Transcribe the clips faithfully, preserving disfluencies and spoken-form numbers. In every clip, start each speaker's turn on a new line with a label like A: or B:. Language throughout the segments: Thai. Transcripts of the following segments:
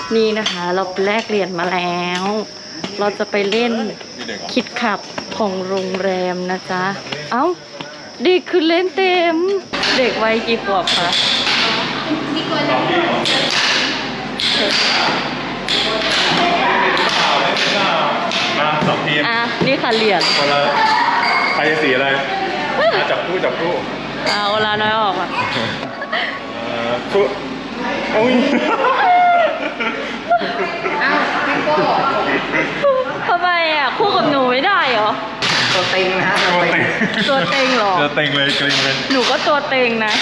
A: นี่นะคะเราแลกเหรียญมาแล้ว เราจะไปเล่นคิดขับของโรงแรมนะจ๊ะเอ้าเด็กคือเล่นเต็มเด็กวัยกี่ขวบคะ
B: มาสองทีม
A: อ่ะนี่ค่ะเหรียญ
B: คนละใครจะสีอะไรจับคู่จับคู่
A: อ่าเวลาน้อยออกอ่ะ
B: คู่โอ้ย
C: อ้าวพี่โก้
A: ทำไมอ่ะคู่กับหนูไม่ได้เหรอ
C: ตัวเต็งนะฮะตัวเต็ง
A: ตัวเต็งเหรอ
B: ตัวเต็งเลยเกรงเลย
A: หนูก็ตัวเต็งนะ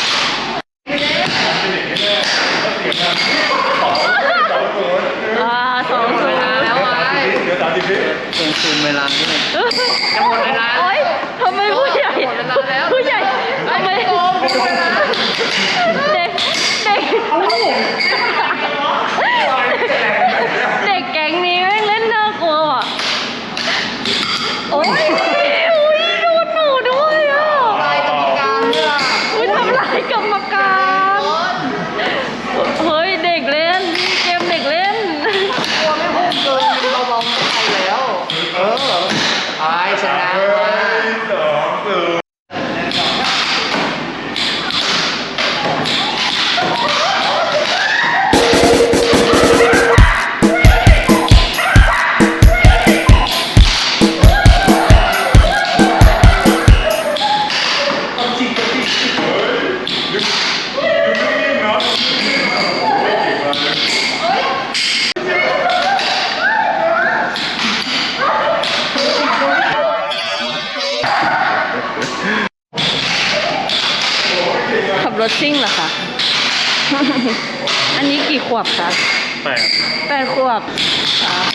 A: อ่าสองศูนย์
C: แล้วไง
B: เดี๋ยวสามสิบวิ
C: เต็งซูมเวลาด้วยจะหมดเวลา
A: โอ๊ยทำไมผู้ใหญ่ผู้ใหญ่ทำไมเด็กเด็กเด็กแก๊งนี้แม่งเล่นน่ากลัวอ่ะโอ๊ยอุ้ยโดนหนูด้วยอ่ะ
C: ลายกรรมการเนี่ย
A: อุ้ยทำลายกรรมการเฮ้ยเด็กเล่นเกมเด็กเล่น
C: กลัวไม่พุ่งเกินเราลองไปแล้วเออไปชนะ
B: สองศูนย์
A: ขับรถซิ่งเหรอคะ อันนี้กี่ขวบคะ
B: แปด
A: แปดขวบครับ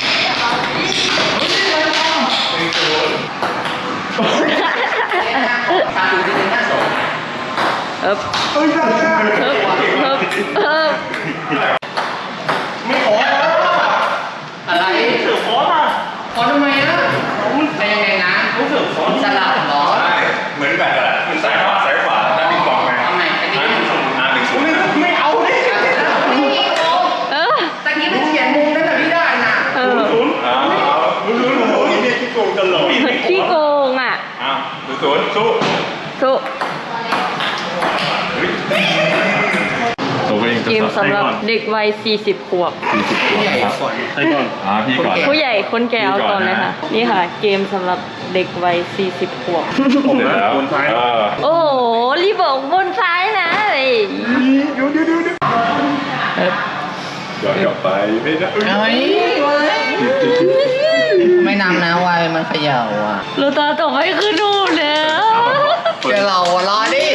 A: เอ๊บเอ๊บเอ๊บเอ๊บเอ๊บ
B: ไม่ขอ
C: อะไร
B: เสือขอมา
C: ขอทำไมนะไปยังไงนะรู้สึกขอสลับหรอ
B: เหมือนแบบมันซ้ายขวาซ้ายขวาด้านนี้กองไง
C: ทำไมตะกี้
B: หนึ่งศูนย์หนึ่งศูนย์ไม่เอาดิ
A: เออ
C: ตะกี้มันเขียนมุมได้แต่ไม่ได้นะ
A: เออ
B: ศูนย์อ้าวศูนย์ศูนย์โอ้ยนี่ขี้โกงตลอด
A: ขี้โกงอ่ะ
B: อ้าวศูนย์ศูนย์สู้
A: สู้เกมสำหรับเด็กวัยสี่สิบขวบ
B: สี่สิบขวบครับใช่ก่อนอ่าพี่ก่อน
A: ผู้ใหญ่คนแก่เอาก่อนเลยค่ะนี่ค่ะเกมสำหรับเด็กวัยสี่สิบขวบ
B: ผมแล้วบนซ้าย
A: โอ้โหรีบอกบนซ้ายนะเลย
B: เดี๋ยวเดี๋ยวเดี๋ยวย้อนกลับไปไม่ได้
C: เฮ้ยไม่นำนะวัยมันเขย่าอ่ะ
A: เราตาต่อไปคือดูแล้ว
C: เดี๋ยวเรารอดิ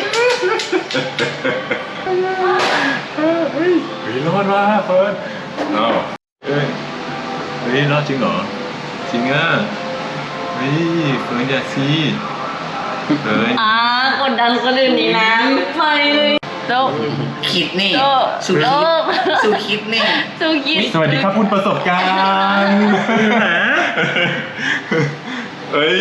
B: เฮ้ยรอดว่ะเฟิร์นอ้าวเฮ้ยเฮ้ยรอดจริงเหรอจริงอ่ะเฮ้ยเฟิร์นอย่าซีเฮ้ย
A: อ่ากดดันคนอื่นนี่นะไปเลยโต
C: คิดนี่
A: สุด
C: สุดคิดนี่
A: สุดคิด
B: สวัสดีครับคุณประสบการณ์นะเฮ้ย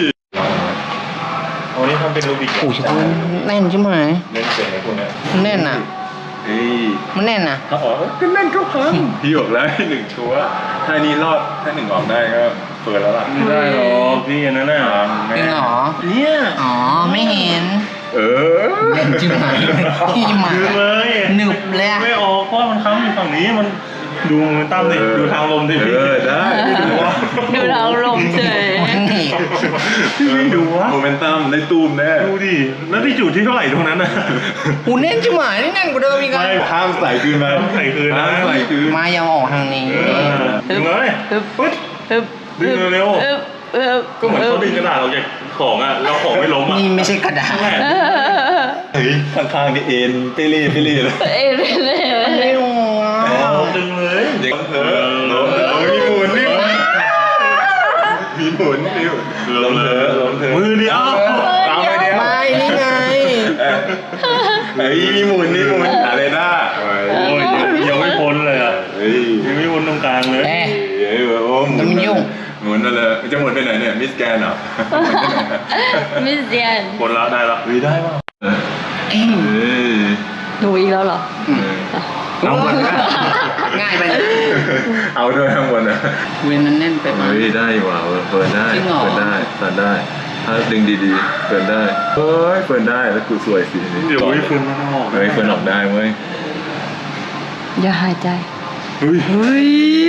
B: โอ้นี่ทำเป็นรูบิก
C: โอ้ยแน่นใช่ไหม
B: เล่นเป็นไงคุณเนี่ย
C: แน่นอ่ะ
B: เฮ้ย
C: มันแน่นนะ
B: อ๋อก็แน่นก็พังพี่บอกแล้วหนึ่งชัวร์ถ้านี้รอดถ้าหนึ่งออกได้ก็เปิดแล้วล่ะไม่ได้หรอกพี่อันนั้นน่ะ
C: จริงเหรอ
B: เนี่ย
C: อ๋อไม่เห็น
B: เออ
C: เล่นจิ้มหายพี่หมา
B: เลย
C: หนึบเลย
B: ไม่ออกเพราะมันค้ำอยู่ฝั่งนี้มันดูมันตั้มดิดูทางลมดิพี่เออได้
A: ดูว่าดูทางลมเฉย
B: พี่ดูว่าโมเมนตัมได้ตูมแน่ดูดิแล้วที่จุดที่เท่าไหร่ตรงนั้นน่ะ
C: หูแน่นจิ้มหายนี่แน่นกว่าเดิมอีก
B: ไม่ห้ามใส่คืนมาใส่คืนห้ามใส่คืน
C: มายังออกทางนี้
B: ดึงเลยปึ๊ดดึงเร็วก็เหมือนเขาดึงกระดาษออกจากของอ่ะแล้วของไม่ล้มอ่ะ
C: นี่ไม่ใช่กระดาษ
B: เฮ้ยข้างๆนี่เอ็นเปรี้ยเปรี้ยเลย
A: เอ็นเปรี้ย
C: ไม่หรอ
B: ดึงเลยเด็กเออมีหมุนนี่มีหมุนนี่ล้มเลยล้มเถอะมือเดียวตามไปเดียว
C: ไม่นี่ไง
B: เฮ้ยมีหมุนนี่หมุนอะไรนะโอ้ยยังไม่พ้นเลยอ่ะเฮ้ยยังไม่พ้นตรงกลางเลยเฮ้ยโอ้
C: มันไม่ยุ่ง
B: หมุนนั่นเลยจะหมุนไปไหนเนี่ยมิสแกนเหรอ
A: มิสแกน
B: พ้นแล้วได้แล้ววิได้ป่ะ
C: เอ้ย
A: หนูอีกแล้วเหรอ
B: เอาหมดแล้ว
C: ง่ายไปนะ
B: เอาด้วยข้างบนนะ
C: เวนนั้นแน่นไปมั้
B: เฮ้ยได้อยู่ว่ะเฟิร์นได้
C: จริงเหรอ
B: เฟิร์นได้เฟิร์นได้ ถ้าดึงดีๆเฟิร์นได้เฮ้ยเฟิร์นได้แล้วกูสวยสิ
D: เดี๋ยวเฟิร์นมันออก
B: เฮ้ยเฟิร์นออกได้เว้ย
A: อย่าหายใจ
D: เฮ้ย
A: เฮ้ย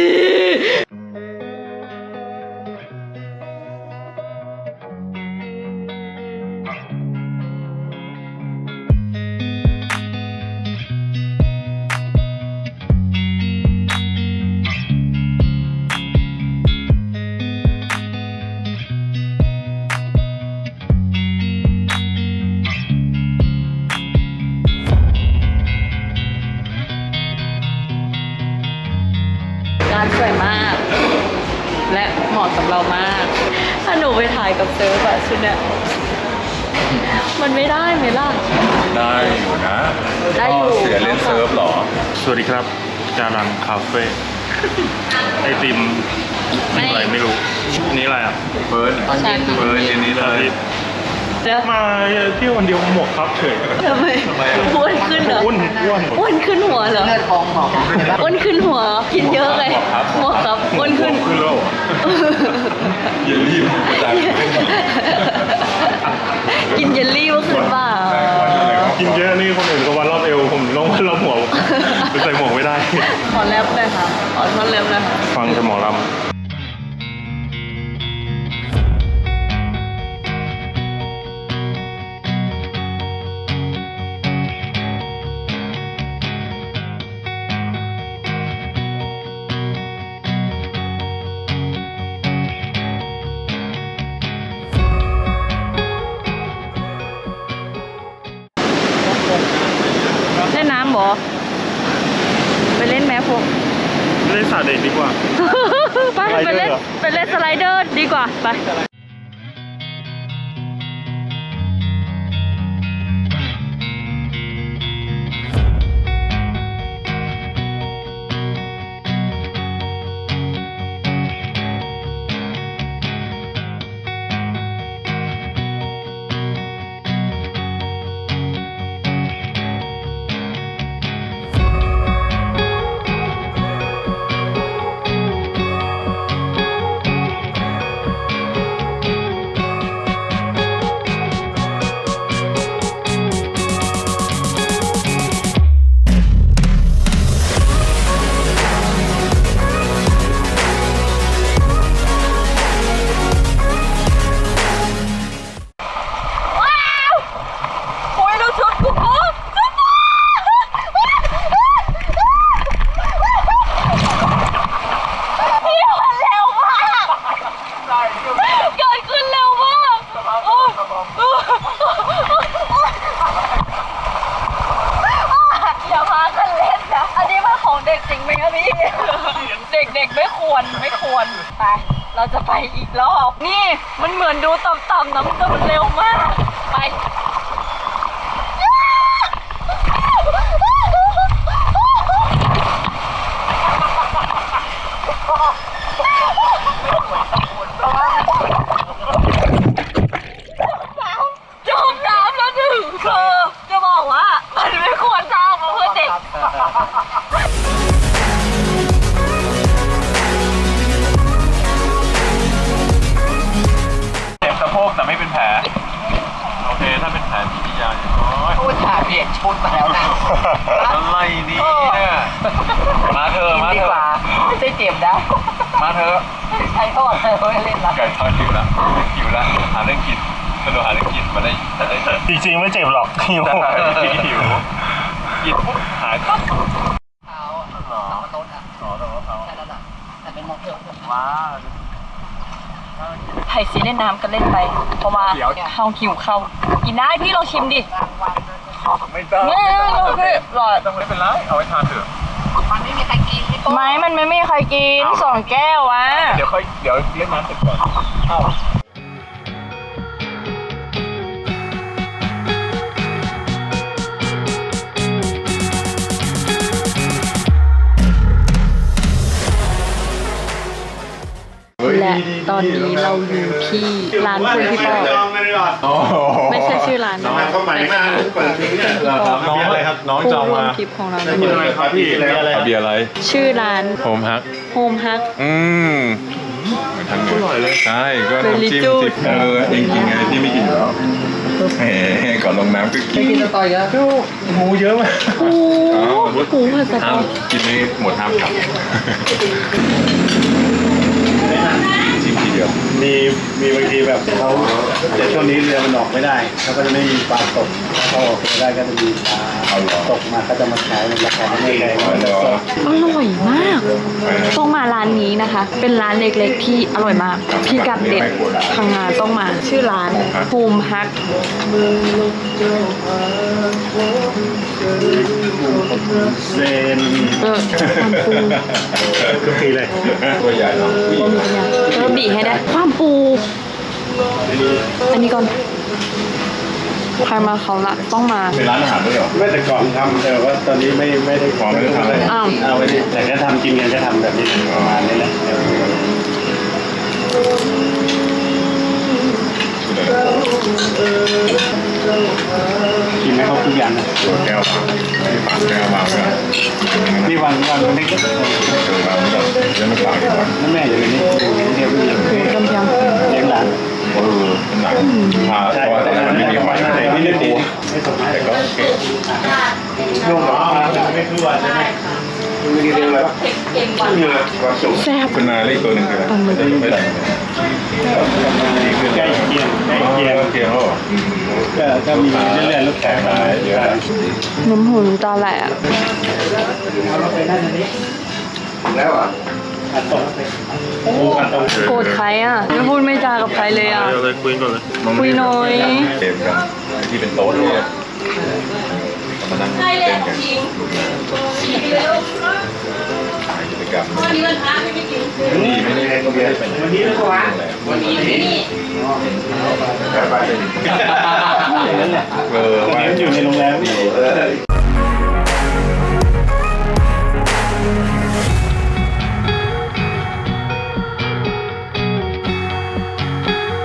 A: ร้านสวยมาก และเหมาะกับเรามาก ถ้าหนูไปถ่ายกับเซิร์ฟอะชุดเนี้ยมันไม่ได้ไหมล่ะ
B: ได้อยู่นะ
A: ได้อยู่
B: เสือเล่นเซิร์ฟเหรอ
D: สวัสดีครับจารังคาเฟ่ไอติมอะไรไม่รู้อันนี้อะไรอ่ะ
B: เฟิร์น
C: ตอนเย็น
B: เฟิร์นอันนี้เลย
A: เดี๋ยว
D: มาเที่ยววันเดียวหมวกครับเฉย
A: ทำไมอ้วนขึ้นเหรอ
D: อ้วนอ้วน
A: อ้วนขึ้นหัวเหรอ
C: เลือดทองหมอกเห็นปะ
A: อ้วนขึ้นหัว กินเยอะเลยหมวกครับอ้วนขึ้น
D: ขึ้นแล้ว
B: อย่ารีบจ่าย
A: กินเยลลี่เมื่อคืนเปล่า
D: กินเยอะนี่คนอื่นก็วันรอบเอวผมต้องวันรอบหัวไปใส่หมวกไม่ได้
A: ขอแรปเลยค่ะขอท่อนแรปเลยค่ะ
D: ฟังแต่หมอลำ
A: เล่นน้ำบอไปเล่นแมพวก
D: เล่นสาดเด็กดีกว่า
A: ไปไปเล่นไปเล่นสไลเดอร์ดีกว่าไปโอ้ยดูชุดกูกูพี่มันเร็วมากเกิดขึ้นเร็วมากอย่าพากันเล่นนะ อันนี้มันของเด็กจริงไหมครับพี่ เด็กๆไม่ควรไม่ควร ไป เราจะไปอีกรอบ นี่มันเหมือนดูต่ำๆนะมันก็มันเร็วมาก ไป จมน้ำแล้วหนึ่งคือจะบอกว่ามันไม่ควรสร้างมาเพื่อเด็ก
B: เจ็บสะโพกแต่ไม่เป็นแผล โอเค ถ้าเป็นแผลที่ยาวอย่างน้อย
C: พูดถ่ายเปลี่ยนชุดมาแล้วนะ
B: อะไรนี่เนี่ยมาเถอะมา
C: ดี
B: เถ
C: กว่า
B: อะ
C: ไม่ได้เจ็บนะ
B: มาเถอะ
C: ใช้ทอดเลยไม่เล่นละ
B: ไก่ทอดหิวละหิวละหาเรื่องกินสนุกหาเรื่องกินมาได้จะได้
D: จริงๆไม่เจ็บหรอกหิว
B: หิวกินปุ๊บหายปั๊บ
C: เท้าสองต้นอ่ะ
B: อ๋อแต่ว่าเขา
C: แค่นั้นอ่ะแต่เป็นมอเตอร์
B: ว้า
A: ไผ่ซีเล่นน้ำกันเล่นไป เพราะว่าเข้าหิวเข้ากินได้พี่ลองชิมดิ
B: ไม่ต้อง
A: ไม่โอเคหลอด
B: ต้องไม่เป็นไรเอาไว้ทานเถอะ
C: มันไม่มีใครกินพี่โก้
A: ไม้มันไม่มีใครกินสองแก้ววะ
B: เดี๋ยวค่อยเดี๋ยวเล่นน้ำเสร็จก่อนอ้าว
C: ร
A: และตอนนี้เราอยู่ที่ร้านคุณพี่ปอ
B: โอ้โห
A: ไม่ใช่ชื่อร้านนะ
C: เข้าใหม่มากเปิดทิ้งเนี่ย
B: เหรอครับน้องอะไรครับ น้องจองมา
A: ผู้ร่วมทริปของเรา
C: กินอะไรครับพี่อะไร
B: เอาเบียร์อะไร
A: ชื่อร้าน
B: โฮมฮัก
A: โฮมฮัก
B: อืมเหมือนทางเหนื
C: อร่อยเลย
B: ใช่ก็น้ำจิ้ม
A: Very
B: จิบเออเองกินไงพี่ไม่กินอยู่แล้วแหมก่อนลงน้ำก็กิน
C: กินสตอยเยอะ
B: หมูเยอะมาก
A: โอ้โหหมูผัดสะ
B: ห้า
A: ต
B: ม
A: อ
B: กินไม่หมดห้ามกลับจิ้มทีเดียว
E: มีมีบางทีแบบเขาแต่ช่วงนี้เรือมันออกไม่ได้เขาก็จะไม่มีปลาตกเขาออกไม่ได้ก็จะมีปลา
B: เอาเหรอ
E: ตกมาเขาจะมาขายในราคาไม่แพง
B: เอาเหรอ
A: อร่อยมาก ต้องมาร้านนี้นะคะ เป็นร้านเล็กๆที่อร่อยมาก พี่กัดเด็ดพังงาต้องมา ชื่อร้านโฮมฮัก
E: เซน
A: เออความปู
E: ทุกทีเลย
B: ตัวใหญ่เนาะผู้หญิ
A: บะ
B: ง
A: หมี่เนี่ยเออบีให้ได้ ความปู อันนี้ก่อน ใครมาเขาละต้องมา
B: เป็นร้านอาหารด้วยเหรอ
E: ไม่แต่ก่อนทำแต่ว่าตอนนี้ไม่ไม่ได้
B: อ๋อไม่ได้ทำเลย
A: อ้าว
E: เอาไว้ดิแต่ก็ทำกินกันก็ทำแบบนี้ประมาณนี้แหละ กินไม่ครบทุกอย่างนะ
B: ตัวแก้ววางไม่ปากแก้ววางไว้
E: นี่วางวางตรงนี้ก็
B: เออวางไม่ได้จะไม่ปากดีกว่า
E: นั่นแม่อยู่ในนี้เรียบร้อย
A: หมูต้มยำ
E: เลี้ยงหลาน
B: เออเป็นหนังพาเพราะว่าตอนนั้นมันไม่มีหอยอะไรไม่ได้ปู
E: ไม่สมมา
B: แต่ก็โอเค
E: ยุ่งหรอไม่คือว่าใช่ไหมมีเรื่องอะไรบ้างมีอะไรความสุข
A: แซ่บ
B: คุณนาเล็กตัวหนึ่งคืออะไรไม่ได้
E: ใกล้เคียงใกล้เคียง
B: เคียงแล้วเหรอ
E: ก็ก็มีเรื่อยๆลูกแขกมาเยอะ
A: น้ำหูน้ำตาไหลอ่ะ
E: แล้วอ่ะอัดตรงโอ้อัดตรง
A: โกรธใครอ่ะ ไม่พูดไม่จากับใครเลยอ่ะ
D: เดี๋ยวเลยคุยก่อนเลย
A: คุยหน่อย
B: เกมกันที่เป็นโต๊ะเนี่ยมานั่งเล่นกันกิจกรรมนี่ไม่ได้ไม่ได้เป็น
E: วันนี้นะวะ
B: วันนี้ไปเออ
E: วัน
B: ว่า
E: นี้อยู่ในโรงแรม
B: ดี